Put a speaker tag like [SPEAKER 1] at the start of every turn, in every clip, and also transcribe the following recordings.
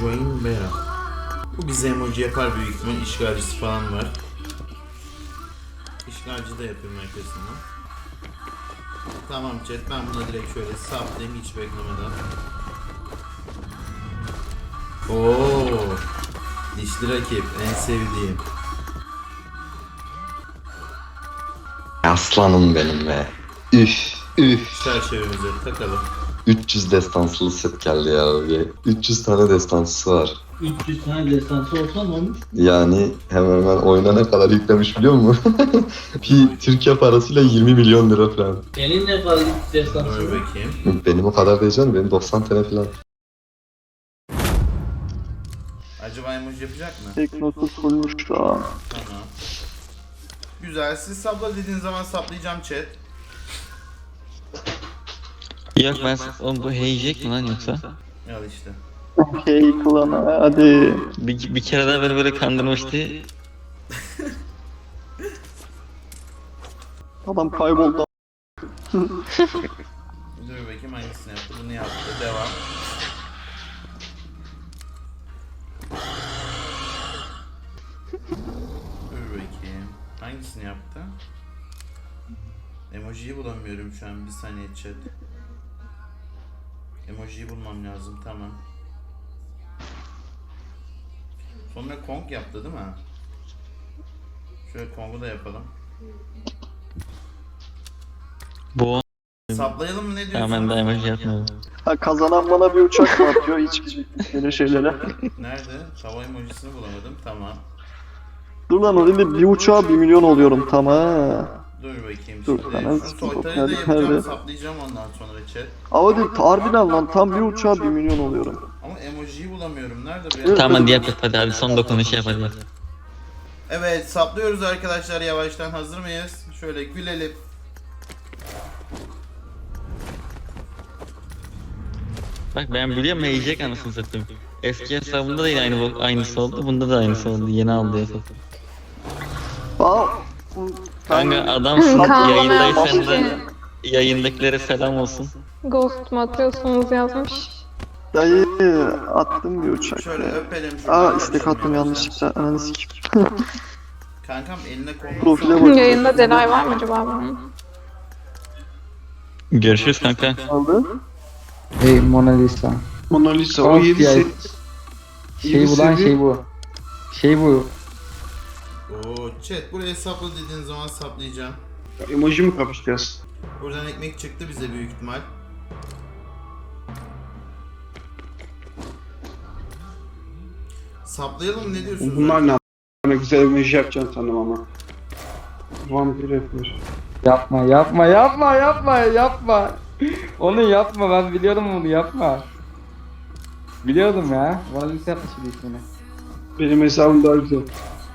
[SPEAKER 1] Join Bera. Bu bize emoji yapar büyük ihtimal. İşgalcisi falan var. İşgalci de yapayım arkasından. Tamam chat, ben buna direkt şöyle saplayayım hiç beklemeden. Oo, dişli rakip en sevdiğim.
[SPEAKER 2] Aslanım benim be. Üf üf.
[SPEAKER 1] Çerçevemize takalım.
[SPEAKER 2] 300 destansılı set geldi ya abi. 300 tane destansı var.
[SPEAKER 3] 300 tane destansı olsa ne olmuş?
[SPEAKER 2] Yani hemen hemen oyuna ne kadar yüklemiş biliyor musun? Bir Türkiye parasıyla 20 milyon lira falan.
[SPEAKER 3] Senin ne kadar destansı
[SPEAKER 1] Dur
[SPEAKER 3] var?
[SPEAKER 1] bakayım.
[SPEAKER 2] Benim o kadar değil canım. Benim 90 tane falan.
[SPEAKER 1] Acaba emoji yapacak mı?
[SPEAKER 4] Teknosu fullmuş şu an.
[SPEAKER 1] Tamam. Güzel. Siz sapla dediğiniz zaman saplayacağım chat.
[SPEAKER 5] Yok ben oğlum bu heyecek mi lan yoksa?
[SPEAKER 1] Al işte.
[SPEAKER 4] Hey klana hadi.
[SPEAKER 5] Bir kere daha beni böyle kandırmıştı.
[SPEAKER 4] Adam kayboldu.
[SPEAKER 1] Dur bakayım hangisini yaptı. Bunu yaptı. Devam. Dur bakayım. Hangisini yaptı? Emojiyi bulamıyorum şu an. Bir saniye chat. Emojiyi bulmam lazım. Tamam. Sonra Kong yaptı değil mi? Şöyle Kong'u da yapalım.
[SPEAKER 5] Bu
[SPEAKER 1] Saplayalım mı, ne diyorsun?
[SPEAKER 5] hemen de emoji yapmıyorum.
[SPEAKER 4] Ha, kazanan bana bir uçak mı atıyor hiç böyle şeylere?
[SPEAKER 1] Nerede? Hava emojisini bulamadım. Tamam.
[SPEAKER 4] Dur lan o değil de bir uçağa 1 milyon oluyorum tamam.
[SPEAKER 1] Dur bakayım
[SPEAKER 4] Dur,
[SPEAKER 1] şimdi.
[SPEAKER 4] hemen
[SPEAKER 1] Şu
[SPEAKER 4] sıkıntı yok.
[SPEAKER 1] soytarıyı da
[SPEAKER 4] Nerede?
[SPEAKER 1] yapacağım, saplayacağım ondan sonra chat.
[SPEAKER 4] Ama değil harbiden lan tam bir uçağa 1 milyon oluyorum.
[SPEAKER 1] Ama emojiyi bulamıyorum. Nerede bu ya?
[SPEAKER 5] Tamam hadi yap hadi son dokunuş yap hadi yap.
[SPEAKER 1] Evet, saplıyoruz arkadaşlar yavaştan. Hazır mıyız? Şöyle gülelim.
[SPEAKER 5] Bak ben biliyorum heyecek anasını satayım. Eski hesabımda da yine aynısı oldu, bunda da aynısı oldu. Yeni aldı hesap.
[SPEAKER 4] Aa,
[SPEAKER 5] Kanka adamsın,
[SPEAKER 6] Kanka,
[SPEAKER 5] yayındaysan da
[SPEAKER 6] yapmış
[SPEAKER 5] yayındakilere selam olsun.
[SPEAKER 6] Ghost mu atıyorsunuz yazmış.
[SPEAKER 4] dayı attım bir uçak.
[SPEAKER 1] Şöyle öpelim.
[SPEAKER 4] Aa istek attım yanlışlıkla ananı sikeyim.
[SPEAKER 1] Kankam eline kolunu
[SPEAKER 4] Profile
[SPEAKER 1] salla.
[SPEAKER 4] bak.
[SPEAKER 6] Yayında delay var mı acaba bunun?
[SPEAKER 5] Görüşürüz kanka.
[SPEAKER 4] Aldı.
[SPEAKER 7] Hey Mona Lisa.
[SPEAKER 8] Mona Lisa o
[SPEAKER 7] Of
[SPEAKER 8] 7
[SPEAKER 7] ya.
[SPEAKER 8] set.
[SPEAKER 7] Şey bu lan şey bu. Şey bu.
[SPEAKER 1] Oo chat, buraya sapla dediğin zaman saplayacağım.
[SPEAKER 8] Emoji mi kapışacağız?
[SPEAKER 1] Buradan ekmek çıktı bize büyük ihtimal. Saplayalım mı, ne diyorsunuz?
[SPEAKER 8] Bunlar ne Ne güzel emoji yapacaksın sanırım ama. Vampir yapıyor.
[SPEAKER 7] Yapma yapma yapma yapma yapma. Onu yapma ben biliyorum onu yapma. Biliyordum ya. Mona Lisa yapmış bir ismini.
[SPEAKER 8] Benim hesabım daha güzel.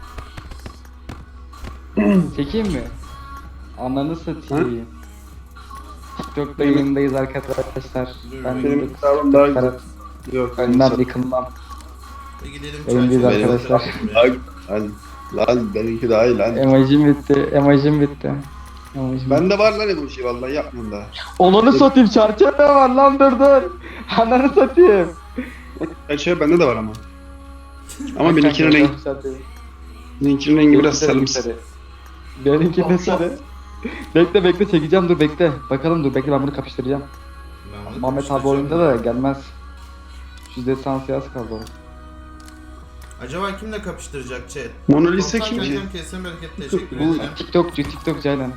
[SPEAKER 7] Çekeyim mi? Ananı satayım. TikTok'ta yayındayız arkadaşlar. Ben
[SPEAKER 8] Benim
[SPEAKER 7] de
[SPEAKER 8] hesabım daha güzel. Yok.
[SPEAKER 7] önden yıkılmam.
[SPEAKER 1] Gidelim
[SPEAKER 7] Yayındayız
[SPEAKER 1] çarşıya.
[SPEAKER 7] arkadaşlar.
[SPEAKER 8] Lan benimki daha iyi lan.
[SPEAKER 7] Emojim bitti. Emojim bitti. Emojim
[SPEAKER 8] Bende var lan emoji vallahi yapmıyorum daha.
[SPEAKER 7] Onunu satayım çerçeve var lan dur. Ananı satayım.
[SPEAKER 8] Gerçi bende de var ama. Ama benimkinin rengi biraz sarımsı.
[SPEAKER 7] Benimki de sarı. Bekle çekeceğim dur bekle. Bakalım dur bekle ben bunu kapıştıracağım.
[SPEAKER 1] Ben bunu
[SPEAKER 7] Muhammed abi
[SPEAKER 1] kapıştıracağım.
[SPEAKER 7] oyunda da gelmez. Şu destansı yaz kaldı o.
[SPEAKER 1] Acaba kimle kapıştıracak chat?
[SPEAKER 8] Mona Lisa
[SPEAKER 1] Korkak
[SPEAKER 8] kim ki?
[SPEAKER 1] kankam, kesene bereket, teşekkür
[SPEAKER 7] Bu
[SPEAKER 1] ederim.
[SPEAKER 7] TikTok Ceylan.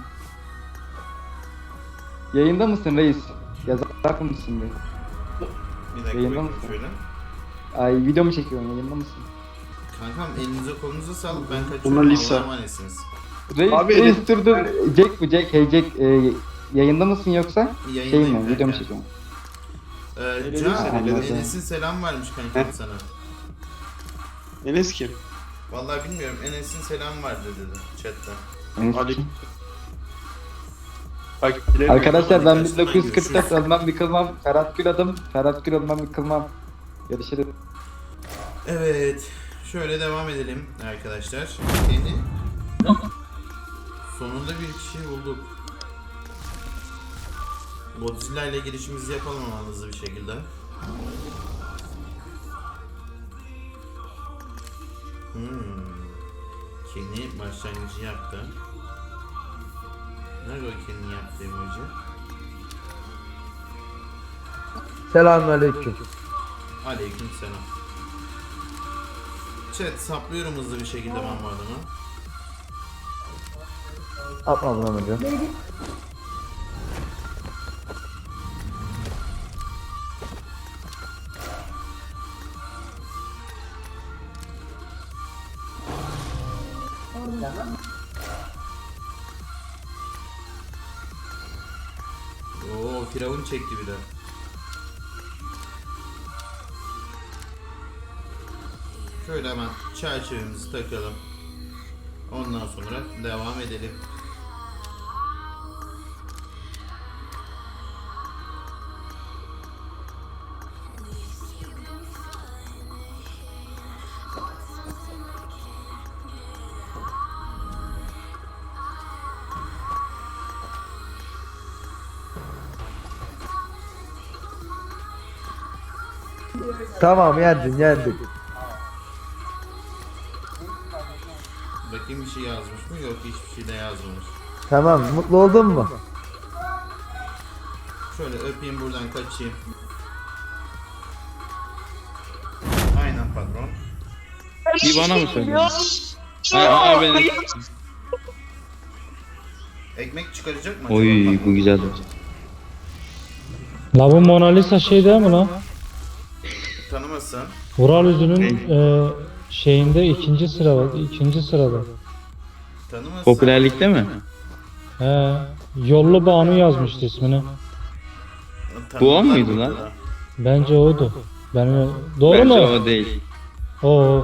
[SPEAKER 7] Yayında mısın reis? Yazar mısın be?
[SPEAKER 1] Bir dakika
[SPEAKER 7] Yayında
[SPEAKER 1] bakayım
[SPEAKER 7] mısın?
[SPEAKER 1] şöyle.
[SPEAKER 7] Ay video mu çekiyorsun yayında mısın?
[SPEAKER 1] Kankam elinize kolunuza sağlık, ben
[SPEAKER 8] Mona
[SPEAKER 1] kaçıyorum,
[SPEAKER 8] Lisa.
[SPEAKER 1] Allah'a emanetsiniz.
[SPEAKER 7] Reis,
[SPEAKER 8] Abi,
[SPEAKER 7] reis dur. Jack bu Jack. Hey Jack yayında mısın yoksa? Şey
[SPEAKER 1] Yayındayım
[SPEAKER 7] mi? Video mu
[SPEAKER 1] kanka.
[SPEAKER 7] çekiyorsun?
[SPEAKER 1] Can,
[SPEAKER 7] Anladım.
[SPEAKER 1] Enes'in selam vermiş kankam sana.
[SPEAKER 8] Enes kim?
[SPEAKER 1] Vallahi bilmiyorum, Enes'in selam vardı dedi chatte.
[SPEAKER 8] Ali.
[SPEAKER 7] Arkadaşlar ben
[SPEAKER 1] Arkadaşlar,
[SPEAKER 7] 1944 ölmem yıkılmam. Ferhat Gül adım. Ferhat Gül ölmem yıkılmam. Görüşürüz.
[SPEAKER 1] Evet, şöyle devam edelim arkadaşlar. Yeni. Sonunda bir kişiyi bulduk. Godzilla ile girişimizi yapalım ama hızlı bir şekilde. Kenny başlangıcı yaptı. Nerede o Kenny'nin yaptığı emoji?
[SPEAKER 9] Selamünaleyküm.
[SPEAKER 1] Aleyküm selam. Chat saplıyorum hızlı bir şekilde ben bu adamı.
[SPEAKER 9] Atma buna hocam.
[SPEAKER 1] Oo, Firavun çekti bir de. Şöyle hemen çerçevemizi takalım. Ondan sonra devam edelim.
[SPEAKER 9] Tamam yendik.
[SPEAKER 1] Bakayım bir şey yazmış mı? Yok, hiçbir şey de yazmamış.
[SPEAKER 9] Tamam mutlu oldun mu?
[SPEAKER 1] Şöyle öpeyim, buradan kaçayım. Aynen patron.
[SPEAKER 5] Bir bana mı söylüyorsun? Aa benim.
[SPEAKER 1] Ekmek çıkaracak mı acaba?
[SPEAKER 5] Oy bu güzeldi.
[SPEAKER 10] La bu Mona Lisa şey değil mi lan?
[SPEAKER 1] Tanımasın.
[SPEAKER 10] Vural Üzü'nün şeyinde ikinci sırada.
[SPEAKER 1] Tanımasın.
[SPEAKER 5] Popülerlikte mi?
[SPEAKER 10] He, Yollu Banu yazmıştı ismini.
[SPEAKER 5] Bu o muydu lan?
[SPEAKER 10] Bence oydu. Doğru
[SPEAKER 5] Bence
[SPEAKER 10] mu?
[SPEAKER 5] o değil.
[SPEAKER 10] O.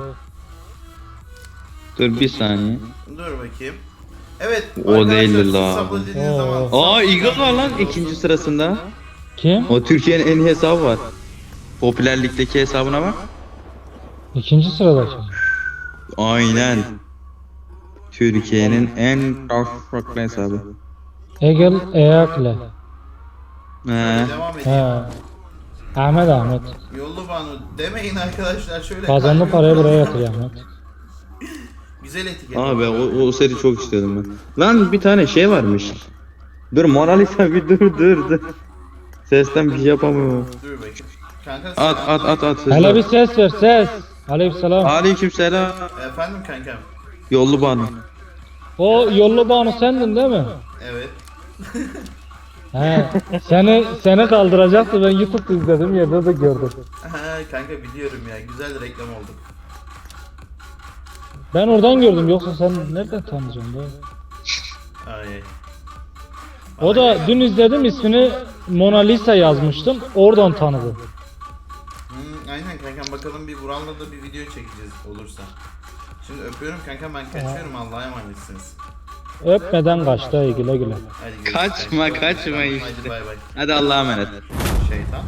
[SPEAKER 5] Dur bir saniye.
[SPEAKER 1] Dur bakayım. Evet.
[SPEAKER 5] O
[SPEAKER 1] arkadaşlar,
[SPEAKER 5] değildir
[SPEAKER 1] siz
[SPEAKER 5] la.
[SPEAKER 1] sabredildiğiniz
[SPEAKER 10] Oo.
[SPEAKER 1] zaman-
[SPEAKER 5] Aa Eagle var lan ikinci sırasında.
[SPEAKER 10] Kim?
[SPEAKER 5] O Türkiye'nin en iyi hesabı var. Popülerlikteki hesabına bak.
[SPEAKER 10] İkinci sıradaki.
[SPEAKER 5] Aynen. Türkiye'nin en farklı hesabı.
[SPEAKER 10] Egel Eyakle.
[SPEAKER 5] He.
[SPEAKER 1] Devam
[SPEAKER 10] He.
[SPEAKER 1] edeyim.
[SPEAKER 10] Ahmet.
[SPEAKER 1] Yollu Banu demeyin arkadaşlar, şöyle
[SPEAKER 10] Kazandı
[SPEAKER 1] kalbimi
[SPEAKER 10] parayı buraya
[SPEAKER 1] kırın.
[SPEAKER 10] yatır Ahmet.
[SPEAKER 1] Güzel etiket.
[SPEAKER 5] Abi o seri çok istiyordum ben. Lan bir tane şey varmış. Dur Mona Lisa bir dur. Sesten bir şey yapamıyorum.
[SPEAKER 1] Dur bakayım. Kanka
[SPEAKER 5] At.
[SPEAKER 10] Hele bir ses ver ses. Aleykümselam.
[SPEAKER 5] Aleykümselam.
[SPEAKER 1] Efendim kankam.
[SPEAKER 5] Yollu bana.
[SPEAKER 10] O Yollu Banu sendin değil mi?
[SPEAKER 1] Evet.
[SPEAKER 10] He. Seni kaldıracaktı, ben YouTube'da izledim, yerde de gördüm.
[SPEAKER 1] Kanka biliyorum ya, güzel reklam oldu.
[SPEAKER 10] Ben oradan gördüm, yoksa sen nereden tanıyacaksın be?
[SPEAKER 1] Ay.
[SPEAKER 10] O da dün izledim, ismini Mona Lisa yazmıştım, oradan tanıdım.
[SPEAKER 1] Aynen kankam, bakalım bir Vural'la da bir video çekeceğiz olursa. Şimdi öpüyorum kankam, ben kaçıyorum, Allah'a emanetsiniz.
[SPEAKER 10] Öpmeden kaçtı, güle güle.
[SPEAKER 1] Hadi görüşürüz.
[SPEAKER 5] Kaçma
[SPEAKER 1] Hadi
[SPEAKER 5] işte.
[SPEAKER 1] bay bay.
[SPEAKER 5] Hadi Allah'a emanet.
[SPEAKER 1] Şeytan.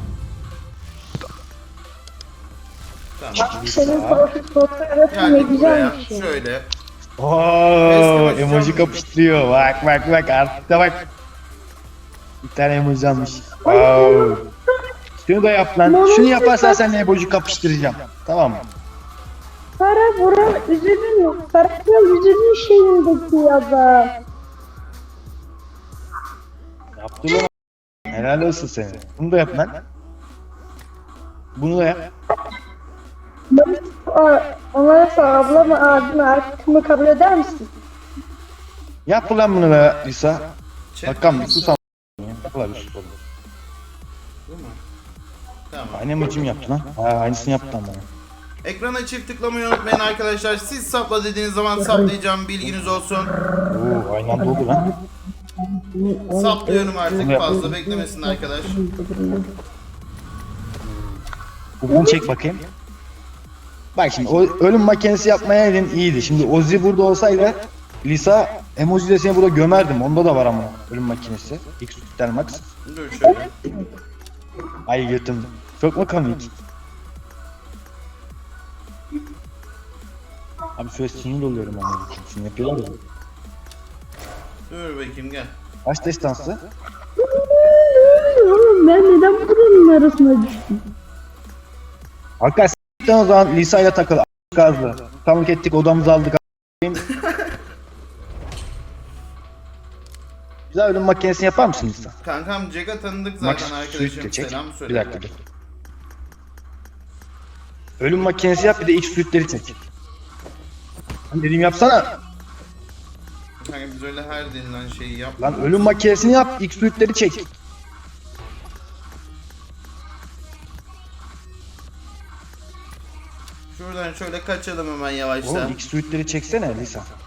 [SPEAKER 1] Tamam.
[SPEAKER 11] Senin fotoğrafın ne
[SPEAKER 1] Geldik buraya.
[SPEAKER 11] güzelmiş ya.
[SPEAKER 1] Şöyle.
[SPEAKER 12] Ooo
[SPEAKER 1] Eski
[SPEAKER 12] emoji
[SPEAKER 1] başkan
[SPEAKER 12] kapıştırıyor. Bak artık da bak. Bir tane emoji almış. Wow. Şunu da yap lan. Şunu yaparsan seninle emoji kapıştıracağım. Tamam mı?
[SPEAKER 11] Para Vural Üzül'ün yok. Para Vural Üzül'ün şeyindeki adam.
[SPEAKER 12] Yaptı lan. Helal olsun senin. Bunu da yap lan. Bunu da yap.
[SPEAKER 11] Onlara sor, ablamı, abimi, arkadaşımı kabul eder misin?
[SPEAKER 12] Yap lan bunu be İsa.
[SPEAKER 1] Chat
[SPEAKER 12] Bakalım
[SPEAKER 1] var.
[SPEAKER 12] sus am. Yapılar.
[SPEAKER 1] Bu mu? Tamam.
[SPEAKER 12] Aynı emojim yaptı lan. Ha, aynısını yaptı ama.
[SPEAKER 1] Ekrana çift tıklamayı unutmayın arkadaşlar. Siz sapla dediğiniz zaman saplayacağım, bilginiz olsun.
[SPEAKER 12] Oo aynı anda oldu lan.
[SPEAKER 1] Saplıyorum artık, fazla beklemesin arkadaş.
[SPEAKER 12] Bunu çek bakayım. Bak şimdi o ölüm makinesi yapmaya elin iyiydi. Şimdi Ozzy burada olsaydı Lisa emoji de seni burada gömerdim. Onda da var ama ölüm makinesi. X Tutel Max.
[SPEAKER 1] Dur şöyle.
[SPEAKER 12] Ay götüm. Çok mu komik? Abi şöyle sinir oluyorum ama. Şimdi yapıyorlar ya.
[SPEAKER 1] Dur bakayım, gel.
[SPEAKER 12] Kaç destansı?
[SPEAKER 11] Ben neden buranın arasına düştüm?
[SPEAKER 12] Arkadaşlar o zaman Lisa ile takıl. gazlı. Tanık ettik, odamızı aldık. Bize ölüm makinesini yapar mısın Lisa?
[SPEAKER 1] Kankam Jack'a tanıdık
[SPEAKER 12] Max
[SPEAKER 1] zaten
[SPEAKER 12] suit de
[SPEAKER 1] arkadaşım.
[SPEAKER 12] çek.
[SPEAKER 1] Selam
[SPEAKER 12] Bir
[SPEAKER 1] söyle.
[SPEAKER 12] dakika dur. Ölüm makinesi yap, bir de X suitleri çek. Lan dediğim yapsana.
[SPEAKER 1] Kanka biz öyle her denilen şeyi yap.
[SPEAKER 12] Lan ölüm makinesini yap, X suitleri çek.
[SPEAKER 1] Şuradan şöyle kaçalım hemen yavaştan.
[SPEAKER 12] Oğlum X suitleri çeksene Lisa.